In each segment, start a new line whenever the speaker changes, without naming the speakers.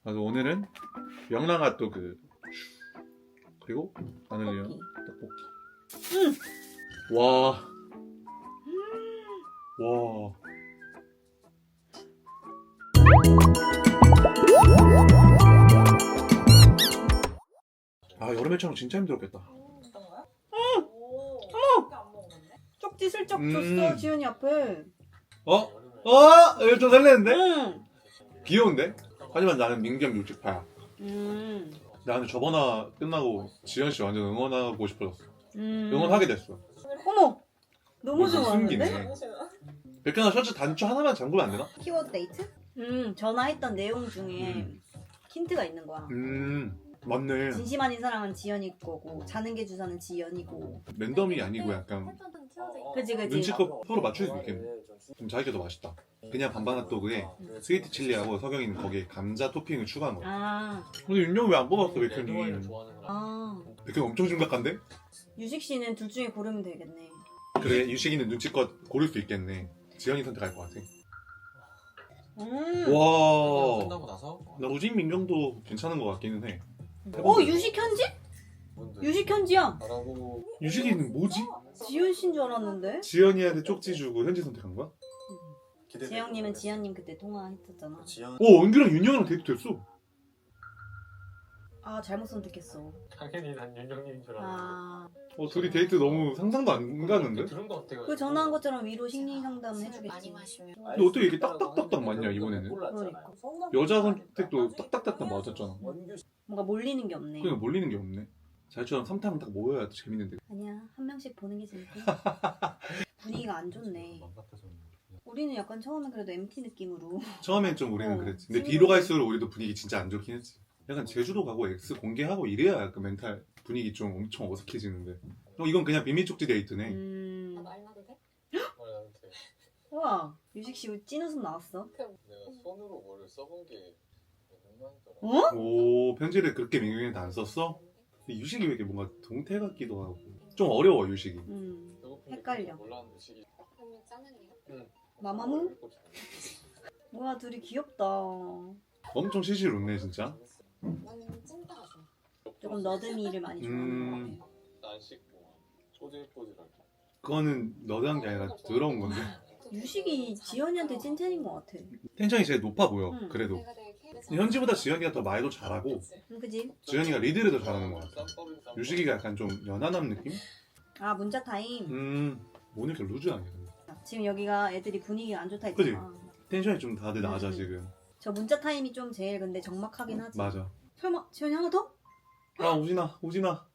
그래서 오늘은 명랑핫도그 그리고 마늘리온 떡볶이. 와. 와. 아, 여름에 촬영 진짜 힘들었겠다.
어떤가요? 응! 어머! 안 먹었는데?
쪽지 슬쩍 줬어 지연이 앞에.
이거 좀 설레는데?
응.
귀여운데? 하지만 나는 민경 율직파야.
음.
나는 저번화 끝나고 지연씨 완전 응원하고 싶어졌어.
음.
응원하게 됐어.
어머. 너무
무슨
좋아하는데?
숨기네. 백현아 셔츠 단추 하나만 잠그면 안 되나?
키워드 데이트? 전화했던 내용 중에 힌트가 있는 거야.
맞네.
진심 아닌 사랑은 지연이 거고 자는 게 주사는 지연이고.
랜덤이 아니고 약간
그치.
눈치껏 서로 맞출 수 있겠네. 좀 자기가 더 맛있다. 그냥 반반 핫도그에 스위트 칠리하고 석영이는 거기에 감자 토핑을 추가한 거야.
아.
근데 윤영이 왜 안 뽑았어, 백현이?
아.
백현 엄청 심각한데?
유식 씨는 둘 중에 고르면 되겠네.
그래, 유식이는 눈치껏 고를 수 있겠네. 지연이 선택할 것 같아. 와.
끝나고 나서
나 우진 민경도 괜찮은 것 같기는 해.
유식 현지? 유식 현지야.
말하고
유식이는 뭐지?
지연 씨인 줄 알았는데.
지연이한테 쪽지 주고 현지 선택한 거야?
재영님은 지연님 그때 통화했었잖아.
은규랑 윤영이랑 데이트 됐어.
아 잘못 선택했어.
당연히 난 윤정님인 줄 알았는데
아.
둘이 데이트 너무 상상도 안 가는데?
들은 것 같아.
그 전화한 것처럼 위로 심리 상담 해주겠지.
근데 어떻게 이렇게 딱딱딱딱 맞냐, 이번에는?
그러니까.
여자 선택도 딱딱딱딱 맞았잖아.
뭔가 몰리는 게 없네.
그냥 몰리는 게 없네. 잘처럼 3타면 딱 모여야 재밌는데.
아니야 한 명씩 보는 게 재밌고. 분위기가 안 좋네. 우리는 약간 처음에 그래도 MT 느낌으로.
처음엔 좀 우리는 그랬지. 근데
친구들.
뒤로 갈수록 우리도 분위기 진짜 안 좋긴 했지. 약간 제주도 가고 X 공개하고 이래야 약간 멘탈 분위기 좀 엄청 어색해지는데. 이건 그냥 비밀 쪽지 데이트네.
말라도 돼?
우와 유식 씨 찐웃음 나왔어.
내가 손으로 뭐를 써본 게 얼마더라.
어?
오, 편지를 그렇게 민경이한테 안 썼어? 근데 유식이 왜 이렇게 뭔가 동태 같기도 하고. 좀 어려워, 유식이.
헷갈려.
몰랐는데 시기.
그러면 짜는데요?
마마무? 뭐야 둘이 귀엽다.
엄청 시실 웃네, 진짜.
나는 찐따가 좋아.
조금 너드미를 많이 좋아하는 것 같아.
안 씻고 꼬질꼬질하게.
그거는 너드한 게 아니라 더러운 건데.
유식이 지연이한테 찐텐인 것 같아.
텐션이 제일 높아 보여,
응.
그래도.
내가 되게
현지보다 지연이가 더 말도 잘하고,
그지?
지연이가 리드를 더 잘하는 것 같아. 유식이가 약간 좀 연하남 느낌?
아 문자 타임.
오늘 이렇게 루즈 아니야, 근데.
지금 여기가 애들이 분위기가 안 좋다
그지?
했잖아.
텐션이 좀 다들 낮아, 지금.
저 문자 타임이 좀 제일 근데 적막하긴 하지.
맞아.
설마 지연이 하나 더?
우진아.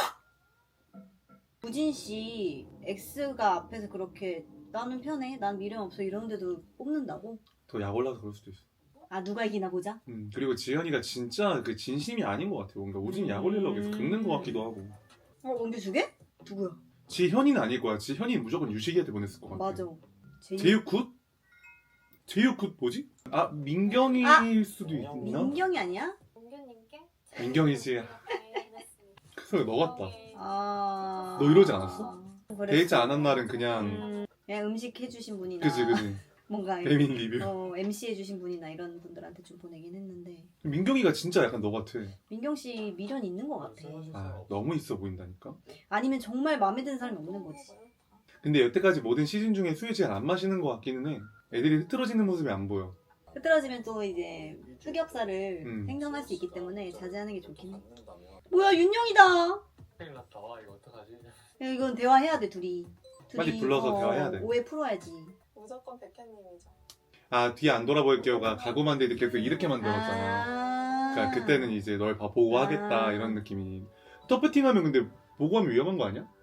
우진 씨 X가 앞에서 그렇게 나는 편해, 난 미련 없어 이러는데도 뽑는다고?
더 약 올라서 그럴 수도 있어.
아 누가 이기나 보자.
그리고 지연이가 진짜 그 진심이 아닌 것 같아. 뭔가 우진이 약 올리려고 해서 긁는 것 같기도 하고.
원규 두 개? 누구야?
지현이는 아닐 거야. 지현이는 무조건 유식이한테 보냈을 것 같아.
맞아.
제육굿? 제육굿 뭐지? 민경일 수도 있나?
민경이 아니야?
공규님께
민경이지. 그 소리 너 같다.
아.
너 이러지 않았어?
그랬어.
데이트 안 한 날은 그냥
그냥 음식 해주신 분이나.
그지.
뭔가
배민 리뷰.
MC 해주신 분이나 이런 분들한테 좀 보내긴 했는데.
민경이가 진짜 약간 너 같아.
민경 씨 미련 있는 것 같아.
너무 있어 보인다니까.
아니면 정말 마음에 드는 사람이 없는 거지.
근데 여태까지 모든 시즌 중에 술을 제일 안 마시는 것 같기는 해. 애들이 흐트러지는 모습이 안 보여.
흐트러지면 또 이제 흑역사를 생성할 수 있기 때문에 자제하는 게 좋긴 해.
안
뭐야 윤영이다.
큰일 났다. 와 이거 어떡하지?
야, 이건 대화해야 돼 둘이.
빨리 불러서 대화해야 돼.
오해 풀어야지.
무조건 백현님이죠.
뒤에 안 돌아볼게요가 가구만 데이트 계속 이렇게 만들었잖아. 그러니까 그때는 이제 널 보고 하겠다 이런 느낌이. 터프팅하면 근데 보고 하면 위험한 거 아니야?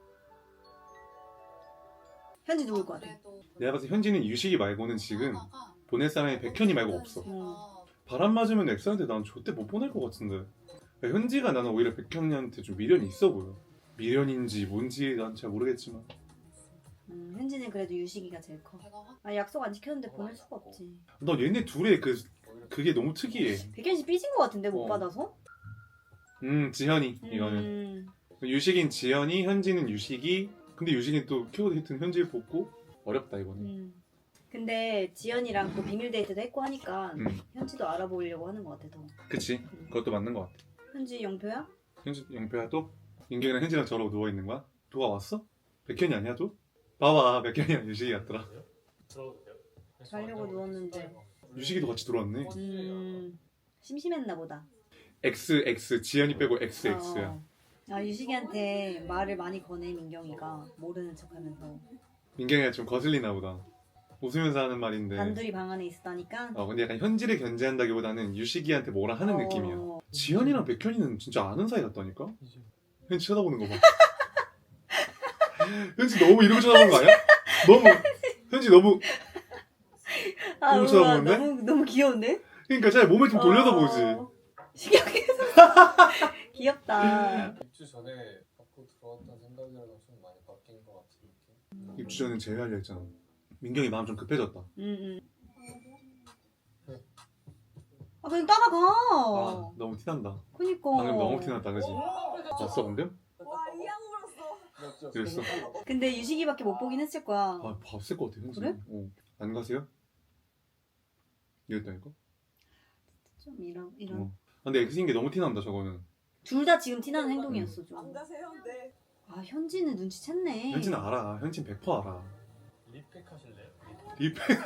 현지 누굴 것 같아?
내가 봤을 때 현지는 유식이 말고는 지금 보낼 사람이 백현이 말고 없어. 바람 맞으면 엑스한테 난 절대 못 보낼 것 같은데. 그러니까 현지가 나는 오히려 백현이한테 좀 미련이 있어 보여. 미련인지 뭔지 난 잘 모르겠지만.
현지는 그래도 유식이가 제일 커. 약속 안 지켰는데 보낼 수가 없지.
너 얘네 둘의 그게 너무 특이해.
백현 씨 삐진 것 같은데 못
어.
받아서?
지현이 이거는. 유식인 지현이, 현지는 유식이. 근데 유식이 또 키워드 히트는 현지를 뽑고 어렵다 이거는.
근데 지연이랑 또 비밀 데이트도 했고 하니까
음.
현지도 알아보려고 하는 것 같아 더.
그치. 그것도 맞는 것 같아.
현지 영표야?
현지 영표야 또? 민경이랑 현지랑 저러고 누워있는 거야? 누가 왔어? 백현이 아니야 또? 봐봐 백현이랑 유식이 같더라.
자려고 누웠는데.
유식이도 같이 들어왔네.
심심했나 보다.
XX 지연이 빼고 XX야.
어. 아 유식이한테 말을 많이 거네 민경이가 모르는 척하면서.
민경이가 좀 거슬리나 보다. 웃으면서 하는 말인데.
단둘이 방 안에 있었다니까.
근데 약간 현지를 견제한다기보다는 유식이한테 뭐라 하는 느낌이야. 지연이랑 백현이는 진짜 아는 사이 같다니까? 현지 쳐다보는 거 봐. 현지 너무 이러고 쳐다보는 거 아니야? 현지 너무
아
너무
우와,
쳐다보는데?
너무 귀여운데?
그러니까 잘 몸을 좀 돌려다 보지.
신기하게 귀엽다.
입주 전에 밖으로 들어왔던 생각이랑 좀 많이 바뀐 것 같은 느낌?
입주 전에 제외하려 했잖아. 민경이 마음 좀 급해졌다.
아 그냥 따라가.
아 너무 티난다.
그니까.
방금 너무 티났다 그지? 봤어 방금?
와이 양물었어.
그랬어?
근데 유식이밖에 못 보긴 했을 거야.
아 봤을 것 같아 현지.
그래?
안 가세요? 이랬다니까?
좀 이런.
어. 근데 X인 게 너무 티난다 저거는.
둘 다 지금 티나는 행동이었어
안
좀.
가세요? 네.
아 현지는 눈치챘네.
현지는 알아. 현지는 100% 알아.
리팩 하실래요?
리팩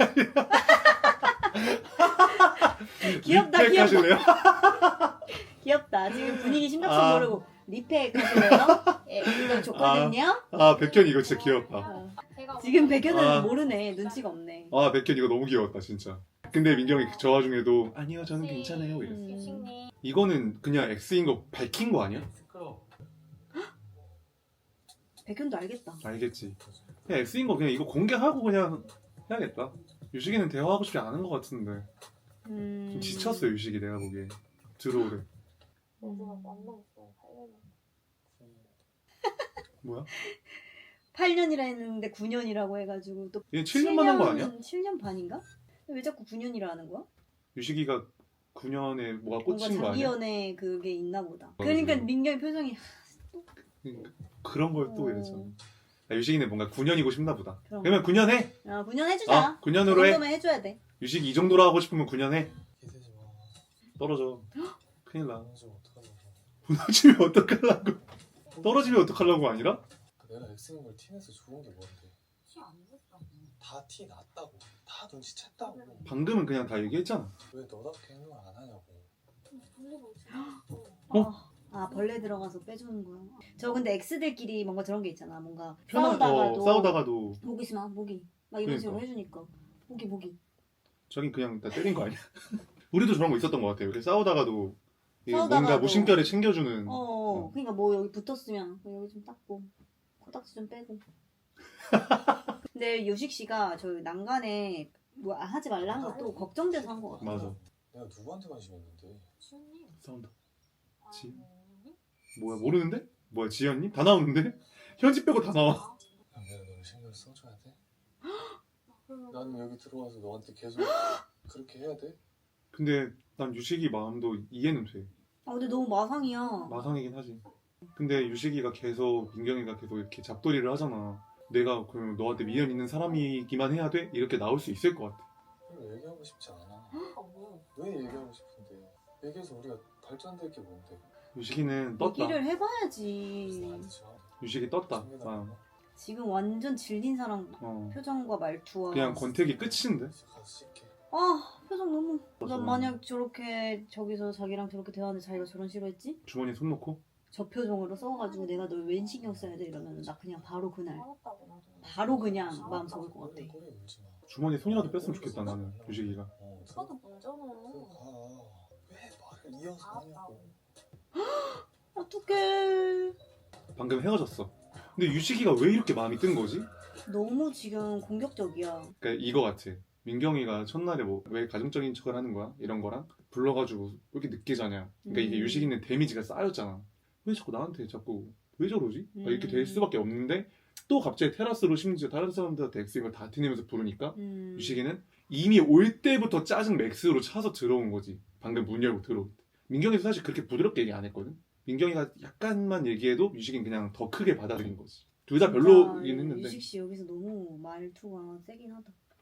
귀엽다,
리팩
귀엽다.
하실래요?
귀엽다. 지금 분위기 심각성
아.
모르고 리팩 하실래요? 예, 이거 좋거든요.
백현 이거 진짜 귀엽다.
어. 지금 백현은
아.
모르네. 눈치가 없네.
백현 이거 너무 귀여웠다 진짜. 근데 민경이 저 와중에도 아니요 저는 괜찮아요 이랬어. 이거는 그냥 X인 거 밝힌 거 아니야?
시끄러워.
백현도 알겠다.
알겠지. 그냥 X인 거 그냥 이거 공개하고 그냥 해야겠다. 유식이는 대화하고 싶지 않은 것 같은데 좀 지쳤어 유식이 내가 보기에. 들어오래. 뭐야?
8년이라 했는데 9년이라고 해가지고 또
얘 7년만 한 거 아니야?
7년 반인가? 왜 자꾸 9년이라 하는 거야?
유식이가 9년에 뭐가
뭔가
꽂힌 거
자기
아니야?
연애 그게 있나 보다.
맞아.
그러니까 민경이 표정이
그런 걸 또 이랬잖아. 유식이는 뭔가 9년이고 싶나 보다.
그런
그러면 9년 해.
9년 해주자.
9년으로
그
해.
정도면 해줘야 돼.
유식이 이 정도로 하고 싶으면 9년 해.
기대지 마.
떨어져. 큰일 나.
무너지면 어떡하려고.
무너지면 어떡하려고. 떨어지면 어떡하려고 아니라?
내가 X인 걸 티내서 좋은 게 뭔데?
티안 냈다고.
다 티 났다고. 다 눈치챘다고.
방금은 그냥 다 얘기했잖아.
왜 너답게 행동을 안 하냐고.
돌리고
어?
벌레 들어가서 빼주는 거야. 저 근데 X들끼리 뭔가 저런 게 있잖아. 뭔가
편하고 싸우다가도
모기 있으면 모기 막 이런 식으로
그러니까.
해주니까 모기.
저긴 그냥 다 때린 거 아니야? 우리도 저런 거 있었던 것 같아요. 이렇게 싸우다가도 이게
싸우다가도.
뭔가 무심결에 챙겨주는.
그러니까 뭐 여기 붙었으면 여기 좀 닦고 코딱지 좀 빼고. 근데 요식 씨가 저 난간에 뭐 하지 말라 한 것도 걱정돼서 한 거 같아.
맞아.
내가 누구한테 관심 있는데?
지훈님.
싸운다. 지?
아니.
뭐야 모르는데? 뭐야 지연님? 다 나오는데? 현지 빼고 다 나와.
그럼 내가 너를 신경 써줘야 돼?
그러면
나는 여기 들어와서 너한테 계속 그렇게 해야 돼?
근데 난 유식이 마음도 이해는 돼.
근데 너무 마상이야.
마상이긴 하지. 근데 유식이가 계속 민경이가 계속 이렇게 잡돌이를 하잖아. 내가 그러면 너한테 미련 있는 사람이기만 해야 돼? 이렇게 나올 수 있을 것 같아.
그럼 얘기하고 싶지 않아.
아 뭐.
왜 얘기하고 싶은데? 얘기해서 우리가 발전될 게 뭔데?
유식이는 떴다.
얘기를 해봐야지.
나한테 줘.
유식이 떴다.
챙겨달라고.
지금 완전 질린 사람
어.
표정과 말투와
그냥 권태기 끝인데?
가서 씻게.
표정 너무
맞아.
난 만약 저렇게 저기서 자기랑 저렇게 대화하는데 자기가 저런 싫어했지?
주머니에 손 넣고?
저 표정으로 써가지고 내가 널 웬 신경 써야 돼 이러면 나 그냥 바로 그날
알았다고 나도.
바로 그냥 마음 접을 것 같아.
꼬리 물지 마.
주머니에 손이라도 뺐으면 좋겠다 나는 유식이가.
오빠도 문제는.
들어가. 왜 말을 이어서 하냐고.
어떡해.
방금 헤어졌어. 근데 유식이가 왜 이렇게 마음이 뜬 거지?
너무 지금 공격적이야.
그러니까 이거 같아. 민경이가 첫날에 뭐 왜 가정적인 척을 하는 거야? 이런 거랑 불러가지고 왜 이렇게 늦게 자냐. 그러니까 이게 유식이는 데미지가 쌓였잖아. 왜 자꾸 나한테 자꾸 왜 저러지? 이렇게 될 수밖에 없는데 또 갑자기 테라스로 심지어 다른 사람들한테 X인 걸 다 티내면서 부르니까 유식이는 이미 올 때부터 짜증 맥스로 차서 들어온 거지. 방금 문 열고 들어올 때. 민경이도 사실 그렇게 부드럽게 얘기 안 했거든. 민경이가 약간만 얘기해도 유식이는 그냥 더 크게 받아들인 거지. 둘 다 별로긴 했는데
유식 씨 여기서 너무 말투가 세긴 하다.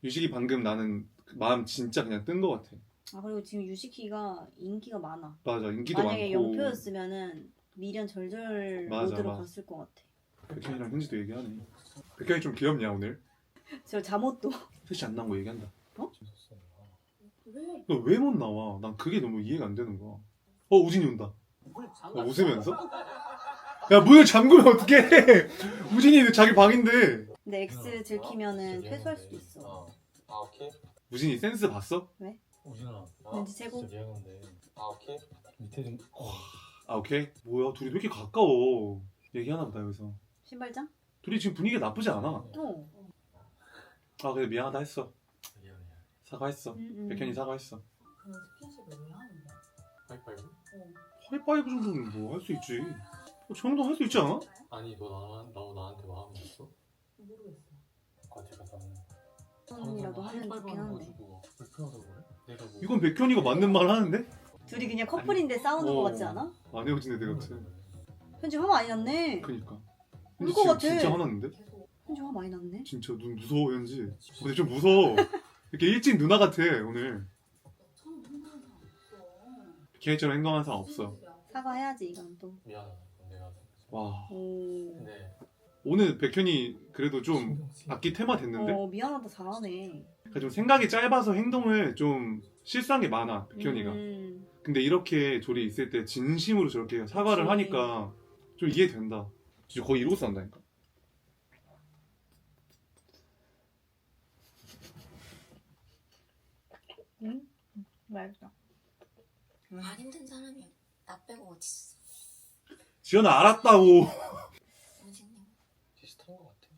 유식이 방금 나는 마음 진짜 그냥 뜬 거 같아.
아 그리고 지금 유식이가 인기가 많아.
맞아, 인기도
만약에
많고.
영표였으면은 미련 절절
맞아,
모드로
맞아.
갔을 것 같아.
백현이랑 현지도 얘기하네. 백현이 좀 귀엽냐 오늘?
저 잠옷도
셋이 안 나온 거 얘기한다.
재밌었어.
왜?
너 왜 못 나와? 난 그게 너무 이해가 안 되는 거야. 우진이 온다. 웃으면서? 야 문을 잠그면 어떡해? 우진이 자기 방인데.
근데 X 들키면은 퇴소할 수도 있어.
아 오케이.
우진이 센스 봤어?
우진아.
왠지 최고.
진짜 미안한데. 아 오케이. 밑에 좀.
아 오케이. 뭐야 둘이 왜 이렇게 가까워? 얘기하나 보다 여기서.
신발장?
둘이 지금 분위기가 나쁘지 않아.
어.
아 그래 미안하다 했어.
미안해.
사과했어. 백현이 사과했어.
그럼 스킨십을 왜 하는 거야?
하이파이브?
하이파이브 정도는 뭐 할 수 있지. 저 정도 할 수 있지 않아?
아니 너 나한테 마음 있어?
모르겠어.
과제가 나는.
손이라도 하면 좋긴 한데.
불편하다고 그래? 내가 뭐.
이건 백현이가 맞는 말 하는데?
둘이 그냥 커플인데 싸우는 거 같지 않아?
안 헤어진 애들 같아.
현지 화 많이 났네.
그니까.
울것 같아.
진짜 화났는데?
계속
현지 화 많이 났네.
진짜 눈 무서워 현지. 근데 좀 무서워. 이렇게 일진 누나 같아 오늘.
처음 행동한 사람 없어.
걔처럼 행동하는 사람 없어.
사과해야지 이건 또.
미안하다. 내가.
와
오.
근데
오늘 백현이 그래도 좀
신경 쓰-
악기 테마 됐는데?
미안하다 잘하네.
그러니까 좀 생각이 짧아서 행동을 좀 실수한 게 많아 백현이가. 근데 이렇게 둘이 있을 때 진심으로 저렇게 사과를
그치.
하니까 좀 이해된다. 진짜 거의 이러고 산다니까.
맛있다.
안 힘든 사람이 나 빼고 어딨어.
지연아 알았다고.
선생님.
비슷한 것 같아.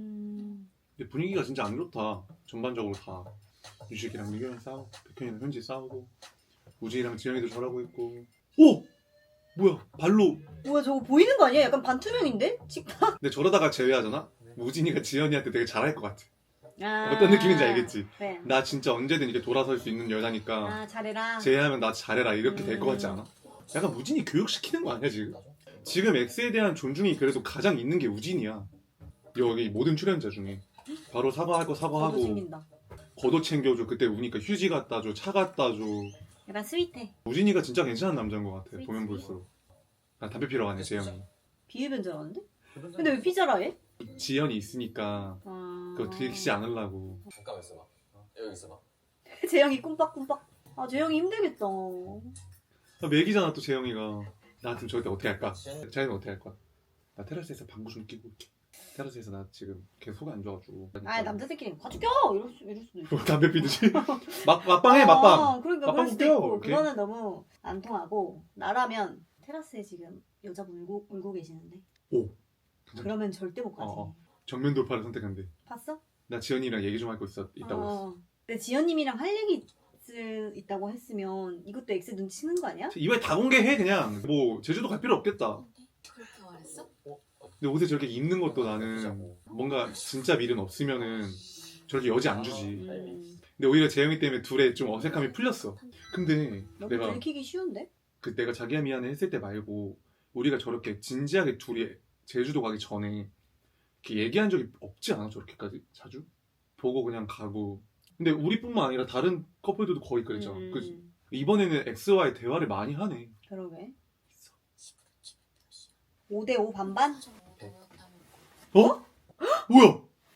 근데 분위기가 진짜 안 좋다. 전반적으로 다 유식이랑 미경이랑 싸우고 백현이랑 현지 싸우고 우진이랑 지영이도 저러고 있고. 오! 뭐야 발로.
뭐야 저거 보이는 거 아니야? 약간 반투명인데? 식탁?
근데 저러다가 제외하잖아? 우진이가 지연이한테 되게 잘할 것 같아.
아,
어떤 느낌인지 알겠지?
그래.
나 진짜 언제든 이렇게 돌아설 수 있는 여자니까
아 잘해라.
제외하면 나 잘해라 이렇게 될 것 같지 않아? 약간 우진이 교육시키는 거 아니야 지금? 지금 X에 대한 존중이 그래도 가장 있는 게 우진이야. 여기 모든 출연자 중에 바로 사과할 거
저도
사과하고
챙긴다.
겉옷 챙겨줘. 그때 우니까 휴지 갖다 줘, 차 갖다 줘.
약간 스윗해.
우진이가 진짜 괜찮은 남자인 것 같아.
그치.
보면 볼수록. 난 담배 피러 가네 재영이.
비흡연자라는데? 근데 왜 피자라 해?
지연이 있으니까
아...
그거 들키지 않으려고.
잠깐만 있어봐. 여기 있어봐.
재영이 꿈빡꿈빡. 아 재영이 힘들겠다.
맥이잖아 또 재영이가. 나 같으면 저럴 때 어떻게 할까? 자기는 어떻게 할 거야? 나 테라스에서 방구 좀 끼고 올게. 테라스에서 나 지금 계속 속이 안 좋아가지고.
아 남자들끼리 가죽껴 이럴 수도 있어.
뭐 담배 피듯이? 막방해 막방.
그러니까
막방
그럴 수도
웃겨,
있고
이렇게.
그거는 너무 안 통하고 나라면 테라스에 지금 여자분 울고 계시는데.
오.
그러면 절대 못 가지.
정면 돌파를 선택한대.
봤어?
나 지연이랑 얘기 좀 할 거 있다고 했어.
근데 지연님이랑 할 얘기 있다고 했으면 이것도 X 눈치는 거 아니야?
이번에 다 공개해 그냥. 뭐 제주도 갈 필요 없겠다.
그렇게 말했어?
근데 옷에 저렇게 입는 것도 나는 뭔가 진짜 밀은 없으면은 저렇게 여지 안 주지. 근데 오히려 재영이 때문에 둘의 좀 어색함이 풀렸어. 근데
너무
내가
들키기 쉬운데?
그 내가 자기야 미안해 했을 때 말고 우리가 저렇게 진지하게 둘이 제주도 가기 전에 이렇게 얘기한 적이 없지 않아 저렇게까지 자주? 보고 그냥 가고. 근데 우리뿐만 아니라 다른 커플들도 거의 그랬잖아. 그치? 이번에는 X와의 대화를 많이 하네.
그러게. 5대5 반반?
어? 뭐야?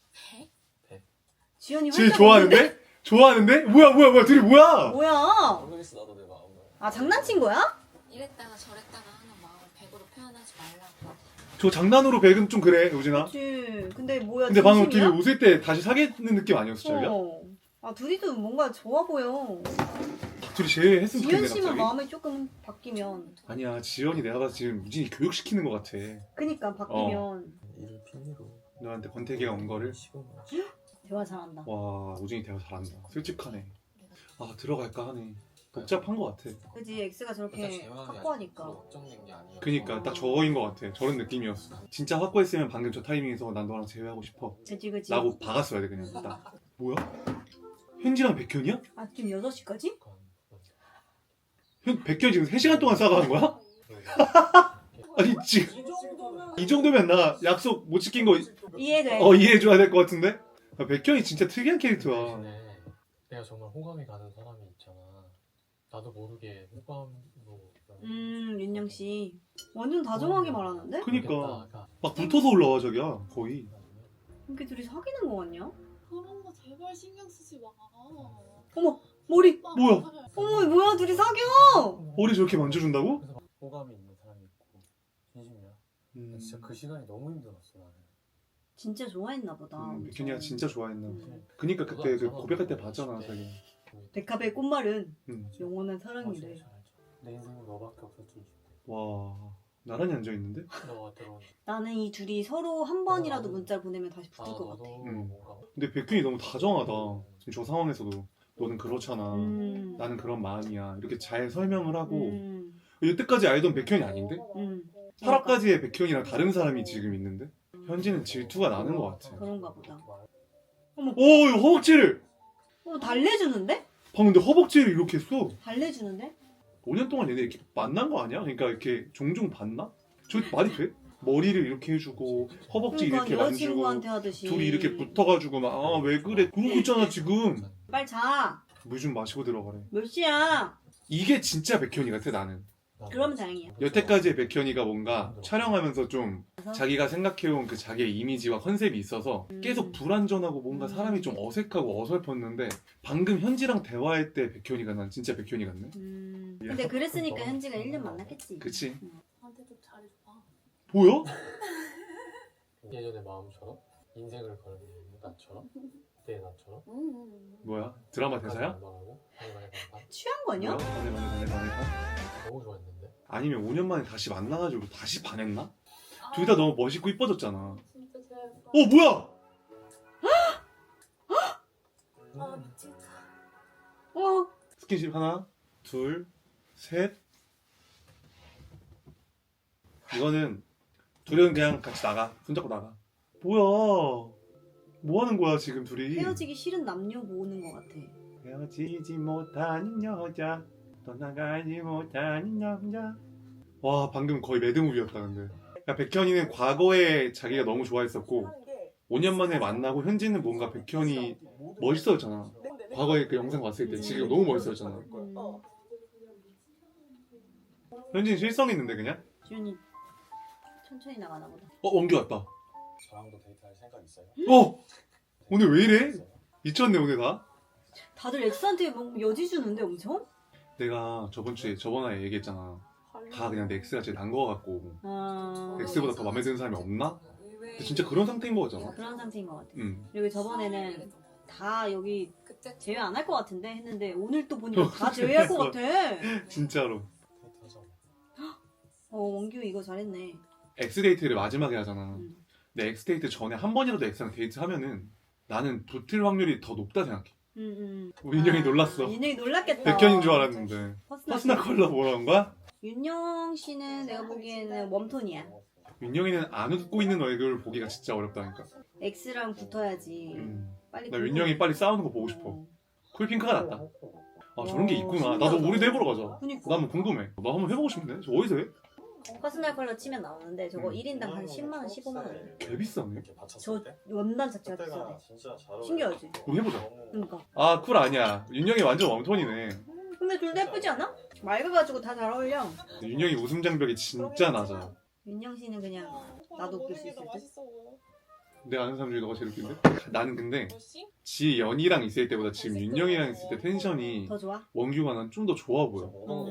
지연이
쟤
활짝
좋아하는데? 좋아하는데? 뭐야 둘이 뭐야?
뭐야?
모르겠어 나도 내 마음을.
아 장난친 거야?
이랬다가 저랬다가 하는 마음을 100으로 표현하지 말라고.
저 장난으로 백은 좀 그래 우진아.
그치. 근데 뭐야
근데 방금 둘이
진심이야?
웃을 때 다시 사귀는 느낌 아니었어 자기야?
아 둘이도 뭔가 좋아 보여.
둘이 제일 했으면
지연
좋겠네
씨만
갑자기.
마음이 조금 바뀌면.
아니야 지연이 내가 봐서 지금 우진이 교육시키는 것 같아.
그니까 바뀌면
일을 핑계로.
너한테 권태기가 온 거를.
대화 잘한다.
와 우진이 대화 잘한다. 솔직하네. 아 들어갈까 하네. 복잡한 것 같아.
그지 X가 저렇게 확고하니까.
걱정된 게 아니야.
그니까 딱 저거인 것 같아. 저런 느낌이었어. 진짜 확고했으면 방금 저 타이밍에서 난 너랑 제외하고 싶어
그지 그지.
라고 박았어야 돼 그냥 딱. 뭐야? 현지랑 백현이야?
아침 6시까지?
백현 지금 3시간 동안 싸가는 거야? 아니 지금
이 정도면
이 정도면 나 약속 못 지킨 거
이해돼.
이해해줘야 될 것 같은데? 백현이 진짜 특이한 캐릭터야.
대신에 내가 정말 호감이 가는 사람이 있잖아. 나도 모르게 호감으로.
윤영 씨 완전 다정하게 말하는데?
그니까 막 붙어서 올라와 자기야 거의.
이렇게 둘이 사귀는 거 같냐?
그런 거 제발 신경 쓰지 마.
어머 머리.
뭐야?
어머 뭐야 둘이 사겨?
머리 저렇게 만져준다고?
그래서 호감이 있는 사람이 있고 진심이야. 진짜 그 시간이 너무 힘들었어 나는.
진짜 좋아했나 보다.
백현이가 진짜 좋아했나.
음.
그니까 그때 그 고백할 때 봤잖아 자기.
백합의 꽃말은
응.
영원한
진짜
사랑이래.
알죠. 내 인생은 너밖에 없어 진심.
와 나란히 앉아 있는데?
너가 들어온.
나는 이 둘이 서로 한 번이라도 문자를 보내면 다시 붙을 것 같아.
너도
응.
뭔가.
근데 백현이 너무 다정하다. 지금 저 상황에서도 너는 그렇잖아.
음.
나는 그런 마음이야. 이렇게 잘 설명을 하고
음.
여태까지 알던 백현이 아닌데?
음.
8화까지의 백현이랑 다른 사람이 지금 있는데? 현지는 질투가 나는 것 같아.
그런가 보다.
오 이거 허벅지를!
달래주는데?
방금 근데 허벅지를 이렇게 했어.
달래주는데?
5년 동안 얘네 이렇게 만난 거 아니야? 그러니까 이렇게 종종 봤나? 저 말이 돼? 머리를 이렇게 해주고 허벅지
그러니까
이렇게 만지고
여자친구한테 하듯이.
둘이 이렇게 붙어가지고 막 아 왜 그래 그러고 있잖아 지금.
빨리 자.
물 좀 마시고 들어가래.
몇 시야?
이게 진짜 백현이 같아 나는.
그러면 다행이야.
여태까지의 백현이가 뭔가 촬영하면서 좀 자기가 생각해온 그 자기의 이미지와 컨셉이 있어서 계속 불안전하고 뭔가 사람이 좀 어색하고 어설펐는데 방금 현지랑 대화할 때 백현이가 난 진짜 백현이 같네.
근데 그랬으니까 현지가 1년 만났겠지.
그치?
나한테 좀 잘해줘봐.
보여?
예전의 마음처럼 인생을 걸는 나처럼 그때의 나처럼.
뭐야? 드라마 대사야?
취한 거냐?
뭐야? 반해.
너무 좋아했는데.
아니면 5년 만에 다시 만나가지고 다시 반했나? 둘 다 너무 멋있고 이뻐졌잖아.
진짜 제발.
뭐야?
아 미치겠다.
어.
스킨십 하나, 둘, 셋. 이거는 둘은 그냥 같이 나가. 손잡고 나가. 뭐야? 뭐 하는 거야 지금 둘이?
헤어지기 싫은 남녀 모으는 것 같아.
헤어지지 못하는 여자, 떠나가지 못하는 남자. 와 방금 거의 매드무비였다 근데. 야, 백현이는 과거에 자기가 너무 좋아했었고 5년 만에 만나고 현지는 뭔가 백현이 멋있어졌잖아. 과거에 그 영상 봤을 때 지금 너무 멋있어졌잖아. 현지는 실성했는데 그냥?
지훈이 천천히 나가나 보다.
원규 왔다.
저랑도 데이트할 생각 있어요?
오늘 왜 이래? 미쳤네 오늘 다.
다들 엑스한테 뭐 여지 주는데 엄청?
내가 저번에 얘기했잖아. 다 그냥 내 엑스가 제일 난 거 같고
아.
엑스보다 더 마음에 드는 사람이 없나? 근데 진짜 그런 상태인 거 같잖아.
그런 상태인 것 같아.
응.
그리고 저번에는 다 여기 제외 안 할 것 같은데 했는데 오늘 또 보니까 다 제외할 것 같아.
진짜로.
데이트하자.
원규 이거 잘했네.
엑스데이트를 마지막에 하잖아.
음.
근데 엑스데이트 전에 한 번이라도 엑스랑 데이트하면은 나는 붙을 확률이 더 높다 생각해. 윤영이 놀랐어.
윤영이 놀랐겠다.
백현인 줄 알았는데. 퍼스널 컬러 뭐라는 거야?
윤영 씨는 내가 보기에는 웜톤이야.
윤영이는 안 웃고 있는 얼굴 보기가 진짜 어렵다니까.
X랑 붙어야지. 빨리.
나 윤영이 빨리 싸우는 거 보고 싶어. 쿨핑크가 낫다. 아 저런 게 있구나. 나도 우리도 해보러 가자.
그니까.
나 한번 궁금해. 나 한번 해보고 싶네. 저 어디서 해?
퍼스널 컬러 치면 나오는데 저거 1인당 한 10만 원, 15만 원.
개 비싸네.
저 원단 자체가 비싸네. 신기하지?
우리 해보자.
그러니까.
아 쿨 아니야. 윤영이 완전 웜톤이네.
근데 둘 다 예쁘지 않아? 맑아가지고 다 잘 어울려.
윤영이 웃음 장벽이 진짜 낮아.
윤영 씨는 그냥 나도 웃길 수 있을 듯.
내가 아는 사람 중에 너가 제일 웃긴데? 나는 근데 지연이랑 있을 때보다 지금 윤영이랑 있을 때 텐션이
더 좋아?
원규가 난 좀 더 좋아 보여.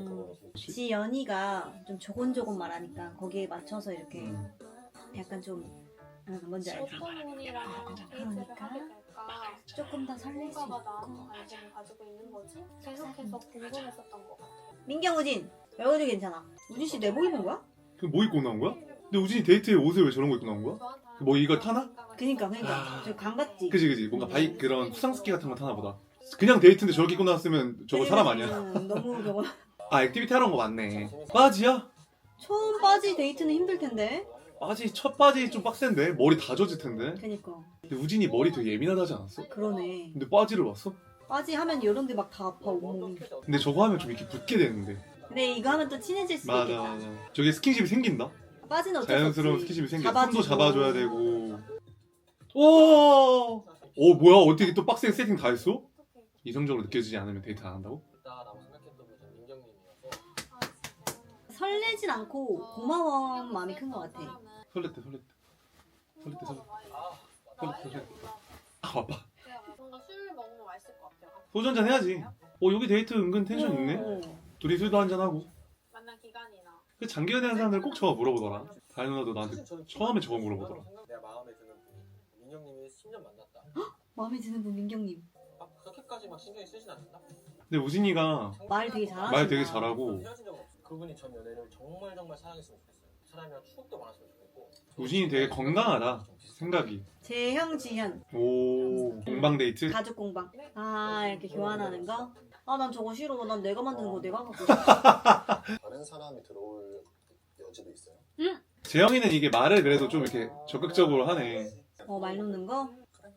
지연이가 좀 조곤조곤 말하니까 거기에 맞춰서 이렇게 약간 좀 뭔지 알지?
소문이랑 데이트를 하게 될까?
조금 더 설렐 수
누가가
있고.
나한테 관심을 가지고 있는 거지? 계속해서 궁금했었던 것 같아.
민경우진! 여기도 괜찮아. 우진 씨 내복 입은 거야?
그 뭐 입고 나온 거야? 근데 우진이 데이트에 옷을 왜 저런 거 입고 나온 거야? 뭐 이거 타나?
그니까 저 강같지?
그지 뭔가 바이 그런 수상스키 같은 거 타나 보다. 그냥 데이트인데 저렇게 입고 나왔으면 저거 사람 아니야?
너무 저거.
아 액티비티 하러 온 거 맞네. 바지야?
처음 바지 데이트는 힘들 텐데.
바지 첫 바지 좀 빡센데 머리 다 젖을 텐데.
그니까.
근데 우진이 머리 되게 예민하다지 않았어?
그러네.
근데 바지를 왔어?
바지 하면 이런 데 막 다 아파 온몸이.
근데 저거 하면 좀 이렇게 붙게 되는데.
근데 이거 하면 또 친해질 수도
맞아
있겠다.
맞아. 저게 스킨십이 생긴다.
바지는 어쩔 수
자연스러운
없지.
스킨십이 생겨.
잡아주고.
손도 잡아줘야 되고. 오 오 뭐야 어떻게 또 빡세게 세팅 다 했어? 이성적으로 느껴지지 않으면 데이트 안 한다고?
있다라고 생각했던 분이 전 민경님이어서
설레진 않고 고마운 마음이 큰 것 같아.
설렜대. 아 바빠.
뭔가 술 먹으면 맛있을 것 같아요.
소주 한잔 해야지. 여기 데이트 은근 텐션 있네. 둘이 술도 한잔 하고.
만난 기간이나.
그 장기 연애하는 사람들 꼭 저거 물어보더라. 다현 누나도 나한테 처음에 저거 물어보더라.
내가 마음에 드는 분이 민경님이 10년 만났다.
마음에 드는 분 민경님.
막 그렇게까지 막 신경이 쓰진 않는다.
근데 우진이가
말 되게 잘하신다.
말 되게 잘하고
헤어진 적은 없어. 그분이 전 연애를 정말 사랑했으면 좋겠어요. 그 사람이랑 추억도 많았으면 좋겠고.
우진이 되게 건강하다 생각이.
재형 지현
오 공방 데이트?
가족 공방. 아 이렇게 교환하는 거? 아 난 저거 싫어. 난 내가 만든 거 내가 갖고 싶어.
다른 사람이 들어올 여지도 있어요?
재영이는 이게 말을 그래도 좀 이렇게 적극적으로 하네.
말 놓는 거?
그래.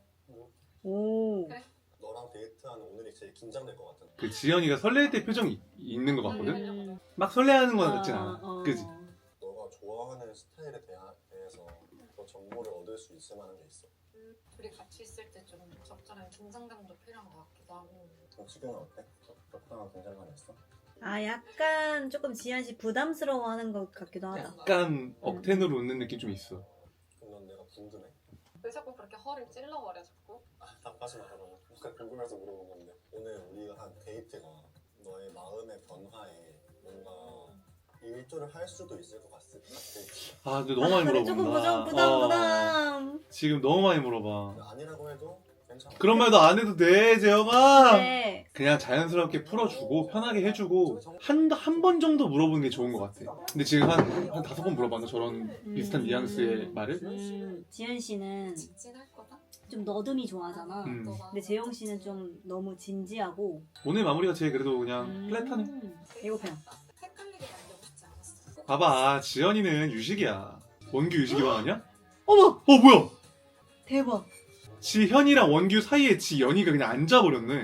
오.
너랑 데이트하는 오늘이 제일 긴장될 것 같은데.
그 지연이가 설렐 때 표정이 있는 것 같거든?
음.
막 설레하는 건 같진 않아. 그지?
너가 좋아하는 스타일에 대해서 더 정보를 얻을 수 있을 만한 게 있어.
둘이 같이 있을 때 좀 적절한 긴장감도 필요한 것 같기도 하고.
그럼 지금은 어때? 적당한 긴장감이 있어?
아 약간 조금 지현 씨 부담스러워하는 것 같기도 하다.
약간 억텐으로 웃는 느낌 좀 있어.
그럼 넌 내가 궁금해.
왜 자꾸 그렇게 허를 찔러버려 자꾸?
답하지 마라. 뭔가 궁금해서 물어본 건데. 오늘 우리가 한 데이트가 너의 마음의 변화에 뭔가 일조를 할 수도 있을 것 같아.
아 근데 너무 많이
그래,
물어본다.
조금 부담.
지금 너무 많이 물어봐.
아니라고 해도 괜찮아.
그런 말도 안 해도 돼 재영아.
네.
그냥 자연스럽게 풀어주고 편하게 해주고 한 번 정도 물어보는 게 좋은 것 같아. 근데 지금 한 5번 물어봤나 저런 비슷한 뉘앙스의 말을?
지현 씨는
직진할 거다?
좀 너듬이 좋아하잖아. 근데 재영 씨는 좀 너무 진지하고.
오늘 마무리가 제일 그래도 그냥 플랫하네.
배고파요.
헷갈리게 만들고 싶지 않았어.
봐봐 지연이는 유식이야. 원규 유식이방 아니야?
어머
뭐야?
대박.
지현이랑 원규 사이에 지연이가 그냥 앉아버렸네.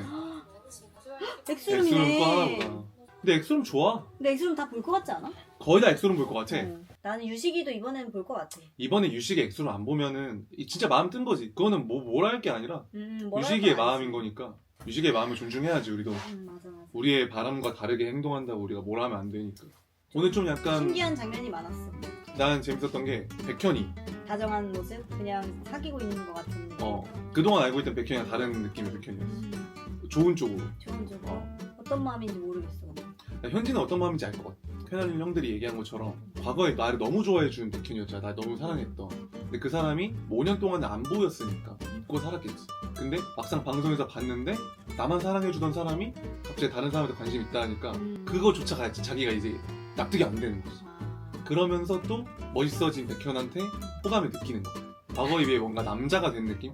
엑소름이네.
엑소름 또 하나보다. 근데 엑소름 좋아.
근데 엑소름 다 볼 것 같지 않아?
거의 다 엑소름 볼 것 같아.
나는 유식이도 이번엔 볼 것 같아.
이번에 유식의 엑소름 안 보면은 진짜 마음 뜬 거지. 그거는 뭐라 할 게 아니라 유식이의 마음인 거니까. 유식의 마음을 존중해야지 우리도.
맞아.
우리의 바람과 다르게 행동한다고 우리가 뭐라 하면 안 되니까. 오늘 좀 약간
신기한 장면이 많았어.
난 재밌었던 게 백현이
다정한 모습? 그냥 사귀고 있는 것 같은 느낌.
그동안 알고 있던 백현이랑 다른 느낌의 백현이었어. 좋은 쪽으로.
좋은 쪽으로. 어떤 마음인지 모르겠어.
나 현지는 어떤 마음인지 알 것 같아. 캐나린 형들이 얘기한 것처럼 과거에 나를 너무 좋아해준 백현이었잖아. 나 너무 사랑했던. 근데 그 사람이 5년 동안 안 보였으니까 잊고 살았겠지. 근데 막상 방송에서 봤는데 나만 사랑해주던 사람이 갑자기 다른 사람한테 관심 있다 하니까 그거조차 자기가 이제 납득이 안 되는 거지. 그러면서 또 멋있어진 백현한테 호감을 느끼는 거야. 과거에 비해 뭔가 남자가 된 느낌?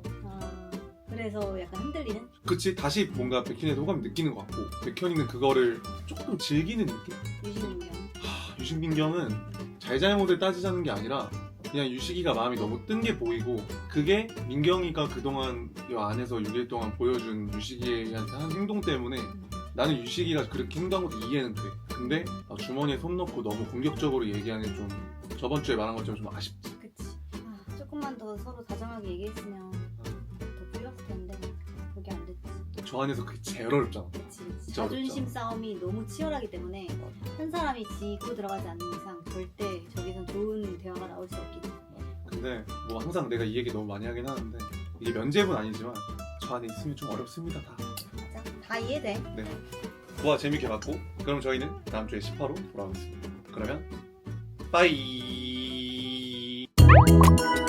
그래서 약간 흔들리는?
그치, 다시 뭔가 백현이한테 호감을 느끼는 것 같고 백현이는 그거를 조금 즐기는 느낌?
유식민경.
유식민경은 잘잘못을 따지자는 게 아니라 그냥 유식이가 마음이 너무 뜬 게 보이고 그게 민경이가 그동안 이 안에서 6일 동안 보여준 유식이한테 한 행동 때문에 나는 유식이가 그렇게 행동한 것도 이해는 돼. 근데 주머니에 손 넣고 너무 공격적으로 얘기하는 좀 저번 주에 말한 것처럼 좀 아쉽지.
그치. 조금만 더 서로 다정하게 얘기했으면 더 풀렸을 텐데 그게 안 됐지.
저 안에서 그게 제일 어렵잖아.
그치.
진짜
자존심
어렵잖아.
싸움이 너무 치열하기 때문에 한 사람이 지고 들어가지 않는 이상 절대 저기선 좋은 대화가 나올 수 없기 때문에.
근데 뭐 항상 내가 이 얘기 너무 많이 하긴 하는데 이게 면접은 아니지만 저 안에 있으면 좀 어렵습니다 다.
맞아. 다 이해돼.
네. 보아 재밌게 봤고 그럼 저희는 다음 주에 10화로 돌아오겠습니다. 그러면 빠이.